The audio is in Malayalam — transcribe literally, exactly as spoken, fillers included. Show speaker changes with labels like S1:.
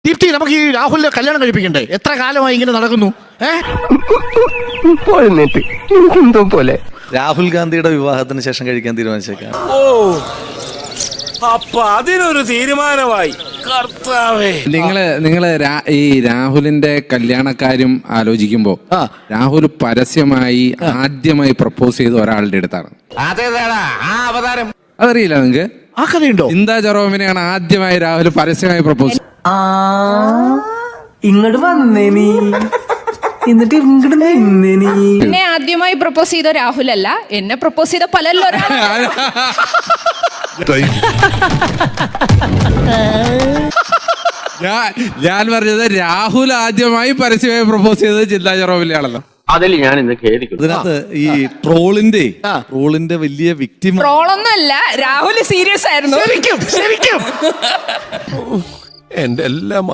S1: ദീപ്തി, നമുക്ക് ഈ രാഹുലിനെ കല്യാണം കഴിപ്പിക്കണ്ടേ? എത്ര കാലമായി ഇങ്ങനെ നടക്കുന്നു?
S2: എന്തോ പോലെ
S3: രാഹുൽ ഗാന്ധിയുടെ വിവാഹത്തിന് ശേഷം കഴിക്കാൻ തീരുമാനിച്ചേക്കാം.
S4: ഓ, അപ്പൊ അതിനൊരു തീരുമാനമായി. കർത്താവേ,
S5: നിങ്ങള് നിങ്ങള് ഈ രാഹുലിന്റെ കല്യാണക്കാര്യം ആലോചിക്കുമ്പോ രാഹുൽ പരസ്യമായി ആദ്യമായി പ്രപ്പോസ് ചെയ്ത ഒരാളുടെ അടുത്താണ്. അതറിയില്ല നിങ്ങക്ക്?
S1: ആ കഥയുണ്ടോ?
S5: ചിന്താ ജെറോമിനെയാണ് ആദ്യമായി രാഹുൽ പരസ്യമായി പ്രപ്പോസ്.
S2: ഇങ്ങോട്ട് വന്നേ നീ, എന്നിട്ട് ഇങ്ങോട്ട് നിന്നേ നീ.
S6: എന്നെ ആദ്യമായി പ്രപ്പോസ് ചെയ്ത രാഹുൽ അല്ല, എന്നെ പ്രപ്പോസ് ചെയ്ത പലല്ലോ.
S5: ഞാൻ പറഞ്ഞത് രാഹുൽ ആദ്യമായി പരസ്യമായി പ്രപ്പോസ് ചെയ്തത് ചിന്താ ജെറോമിനെയാണല്ലോ.
S2: അതിൽ ഞാൻ ഇന്ന് ഖേദിക്കുന്നു.
S3: ഇതിനകത്ത് ഈ ട്രോളിന്റെ ട്രോളിന്റെ വലിയ വിക്ടിം
S6: ട്രോളൊന്നുമല്ല, രാഹുൽ സീരിയസ് ആയിരുന്നു.
S1: ശരിക്കും ശരിക്കും
S4: എന്റെ എല്ലാം